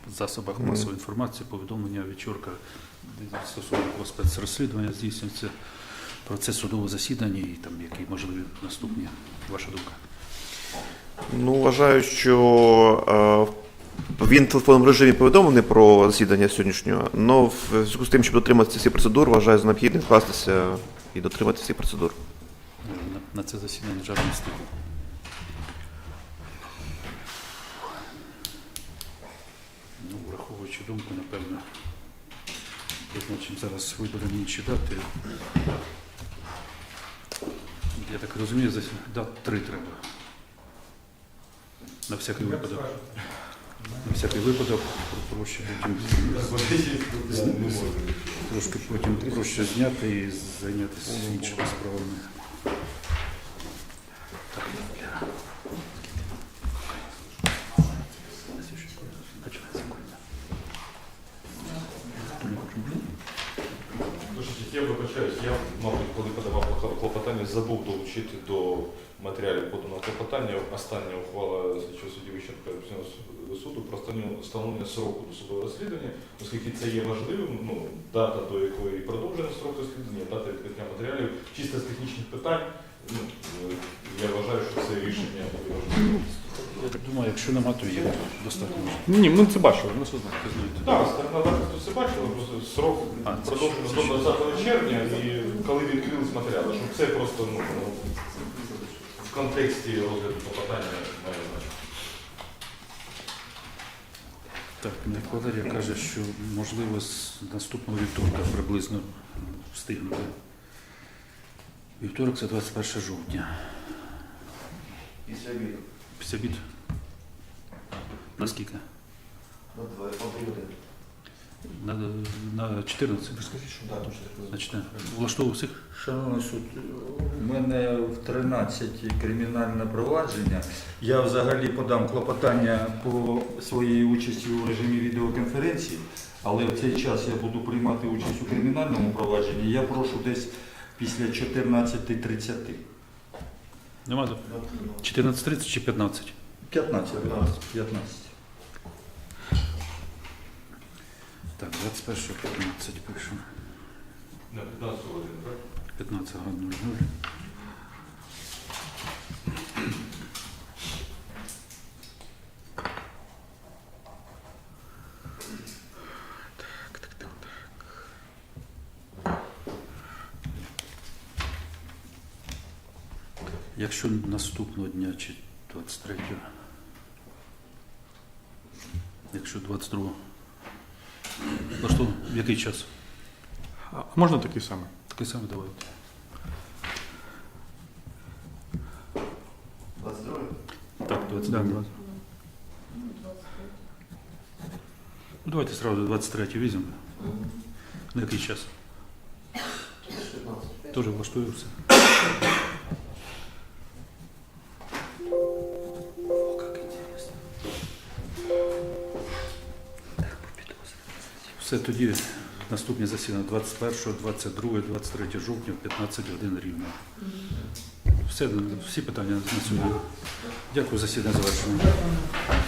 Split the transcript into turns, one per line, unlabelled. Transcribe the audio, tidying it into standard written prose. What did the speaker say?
засобах масової інформації повідомлення Вечорка стосовно спецрозслідування здійснюється процес судового засідання і там які можливі наступні, ваша думка?
Ну, вважаю, що він в телефонному режимі повідомлений про засідання сьогоднішнього, але в зв'язку з тим, щоб дотриматися цих процедур, вважаю за необхідне вкластися і дотриматися цих процедур.
На це засідання державної стилі. Ну, враховуючи думку, напевно, визначимо зараз виберемо інші дати. Я так розумію, дат 3 треба. На всякий випадок. На всякий випадок проще потім трошки потім проще зняти і зайнятися іншими справами.
Я вибачаюсь, я, мабуть, коли подавав клопотання, забув долучити до матеріалів поданого клопотання остання ухвала слідчого судді Вищенка апеляційного суду про встановлення сроку досудового розслідування, оскільки це є важливим, дата, до якої продовжено срок розслідування, дата відкриття матеріалів, чисто з технічних питань, я вважаю, що це рішення буде важливим.
Я так думаю, якщо нема, то є достатньо.
Ні, ми це бачили, ми все знаємо.
Так, сторона захисту це бачила, просто срок продовжено до 20 червня, і коли відкрились матеріали, щоб це просто в контексті розгляду клопотання має значення.
Так, Валерія каже, що можливо з наступного вівторка приблизно встигнути. Вівторок це 21 жовтня.
Після обіду.
Після обіду? Наскільки? На 14? На 14. Влаштовував всіх?
Шановний суд, у мене в 13 кримінальне провадження. Я взагалі подам клопотання по своїй участі у режимі відеоконференції, але в цей час я буду приймати участь у кримінальному провадженні. Я прошу десь після 14:30.
Нема? 14:30 чи 15?
15.
Так, 21 15 пишемо.
На 15 годин, так?
15:00. Якщо наступного дня чи 23-го, якщо 22-го, в який час?
А можна такий самий?
Такий самий давайте.
22?
Так, 22.
Да.
Ну, давайте сразу 23 візьмемо. На який час?
15.
Тоже влаштує все. Все, тоді наступні засідання 21, 22, 23 жовтня в 15 годин рівно. Всі питання на сьогодні. Дякую, засідання завершено.